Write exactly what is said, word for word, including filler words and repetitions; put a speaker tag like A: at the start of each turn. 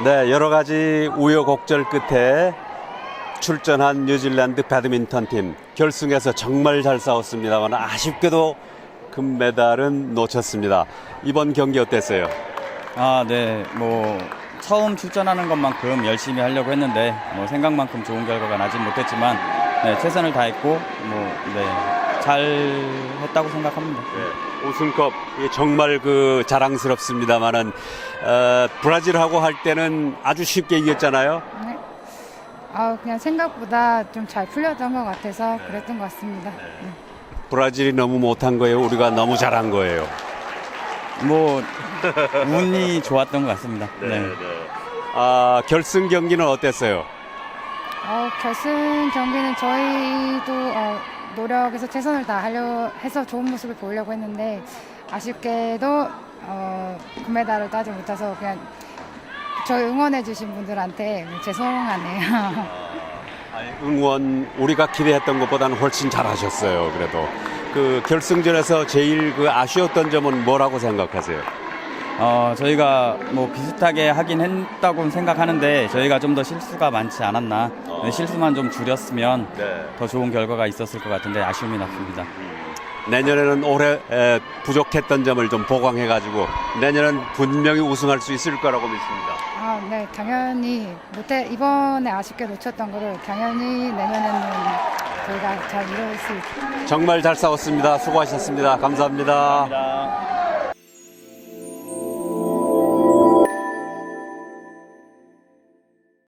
A: 네, 여러 가지 우여곡절 끝에 출전한 뉴질랜드 배드민턴 팀 결승에서 정말 잘 싸웠습니다만 아쉽게도 금메달은 놓쳤습니다. 이번 경기 어땠어요?
B: 아, 네. 뭐 처음 출전하는 것만큼 열심히 하려고 했는데 뭐 생각만큼 좋은 결과가 나진 못했지만 네, 최선을 다했고 뭐 네, 잘 했다고 생각합니다.
A: 네, 우승컵 정말 그 자랑스럽습니다만은 어, 브라질하고 할 때는 아주 쉽게 이겼잖아요.
C: 네. 아, 그냥 생각보다 좀 잘 풀렸던 것 같아서 그랬던 것 같습니다. 네.
A: 브라질이 너무 못한 거예요? 우리가 너무 잘한 거예요?
B: 뭐 운이 좋았던 것 같습니다. 네.
A: 아, 결승 경기는 어땠어요?
C: 어, 결승 경기는 저희도 어, 노력해서 최선을 다하려 해서 좋은 모습을 보이려고 했는데 아쉽게도 어, 금메달을 따지 못해서 그냥 저희 응원해주신 분들한테 죄송하네요.
A: 응원 우리가 기대했던 것보다는 훨씬 잘하셨어요. 그래도 그 결승전에서 제일 그 아쉬웠던 점은 뭐라고 생각하세요?
B: 어, 저희가 뭐 비슷하게 하긴 했다고 생각하는데 저희가 좀 더 실수가 많지 않았나. 네, 실수만 좀 줄였으면
A: 네.
B: 더 좋은 결과가 있었을 것 같은데 아쉬움이 났습니다.
A: 내년에는 올해 에, 부족했던 점을 좀 보강해가지고 내년은 분명히 우승할 수 있을 거라고 믿습니다.
C: 아, 네, 당연히 못해 이번에 아쉽게 놓쳤던 거를 당연히 내년에는 저희가 잘 이룰 수 있.
A: 정말 잘 싸웠습니다. 수고하셨습니다. 감사합니다.
B: 감사합니다.